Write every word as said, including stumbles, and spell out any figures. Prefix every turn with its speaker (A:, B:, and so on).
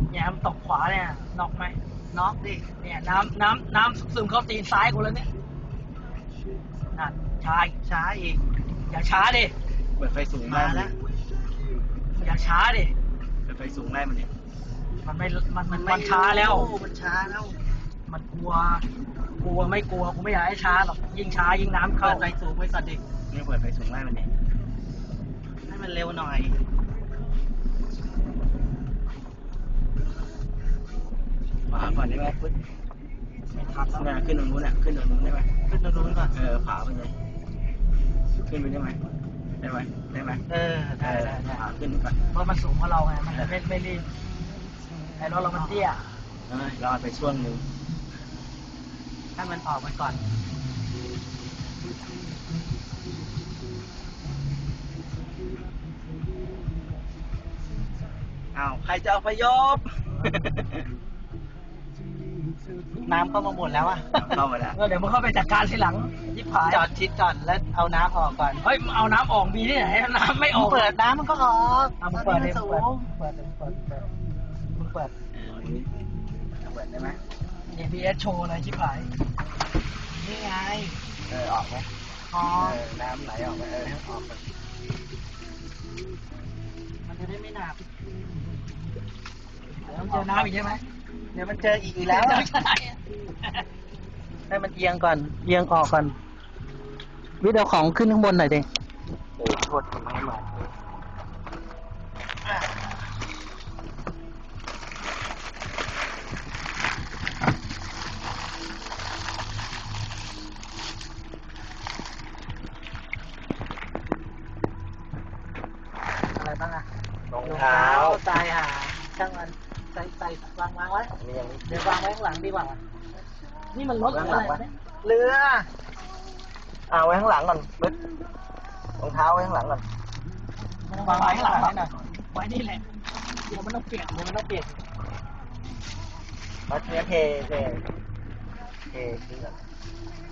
A: แยมตกขวาเนี่ยน็อกไหม
B: น็อกดิ
A: เนี่ยน้ำน้ำน้ำซึมเข้าตีนซ้ายกูแล้วเนี่ยนั่นช้าอีก
B: ช้าอีก
A: อย่าช้าดิ
C: เปิดไฟสูง
B: มา
C: ไล่
B: แล้ว
A: อย่าช้าดิ
C: เปิดไฟสูงไล่มันเนี่ย
A: มันไม่มันมันมันช้าแล้ว
B: มันช้าแล้ว
A: มันกลัวกลัวไม่กลัวกูไม่อยากให้ช้าหรอกยิ่งช้ายิ่งน้ำ
B: เปิ
A: เข้า
B: ดไฟสูงไว้ก่อนดิ
C: นี่เปิดไฟสูงไล่มันเนี่ย
B: ให้มันเร็วหน่อย
C: ขวาก่อนได้ไหมปึ๊บ
A: ไม่ทันแล้ว
C: เนี่ยขึ้นตรงนู้นน่ะขึ้นตรงนู้นได้ไหม
B: ขึ้นตรงนู้นก่อน
C: เออขวาไปเลยขึ้นไปได้ไหมได้ไหมได้ไหม
B: เออ
C: เอ
B: ได้
C: อ
B: ได้ได้
C: ขวาขึ้นไป
A: เพราะมันสูงกว่าเราไงมันไม่ไม่รีบไอ้รถเรามันเตี้ย
C: เออรอไปช่วงหนึ่ง
B: ให้มันออกไปก่อน
C: อ้าวใครจะเอาพยพ
B: น้ำเข้ามาหมดแล้วอ่ะ
C: เข้ามาแล้ว
A: เออเดี๋ยวมึงเข้าไปจัดการทีหลังยิบหาย
B: จอดชิดก่อนแล้วเอาน้ำออกก่อน
A: เฮ้ยเอาน้ำออกมีที่ไหนน้ำไม่ออก
B: เปิดน้ำมันก็ออก
A: เอามึงเปิด
B: เล
A: เลย
B: สู
A: เปิด
B: ง
A: เปิดเปิดเปิดมึงเปิด
C: เออวันนี้เปิดได้ไหม
A: เอ บี เอส โชว์เลยชิบหาย
B: นี่ไง
C: เออออกไหม
B: ออ
C: เอก อน้ำไหลออกไหมเออออกไป
B: มันจะได้ไม่หนัก
A: เดี๋ยวต้องเจอน้ำอีกใช่ไหม
B: เดี๋ยวมันเจออีกอีกแล้ว
A: เดี๋
B: อะ
A: ยจะได้อะ
B: ให้มันเอียงก่อน เอียงออกก่อน วิทย์เอาของขึ้นข้างบนหน่อยดิ
C: โอ้โทษทำไมมา
B: อะไรบ้างอะ
C: รองเท้า
B: ใส่หาช่างมันใส่ใส่วางวางไว้
C: อันนี้ยังไม่
B: เดี๋ยววางไว้ข้างหลังดีกว่า
A: นี่มันรถอะไรวะเนี่ย
B: เรือ
C: อ่าไว้ข้างหลังก่อนมึดรองเท้าไว้ข้างหลังก่อน
A: มันวางไว้ข้างหลังหน่อยไว้นี่แหละเดี๋ยวมันต้องเปียก
B: เดี๋ยวมันต้องเปลี่ยน
C: มาเทเทเทเททิ้งก่อน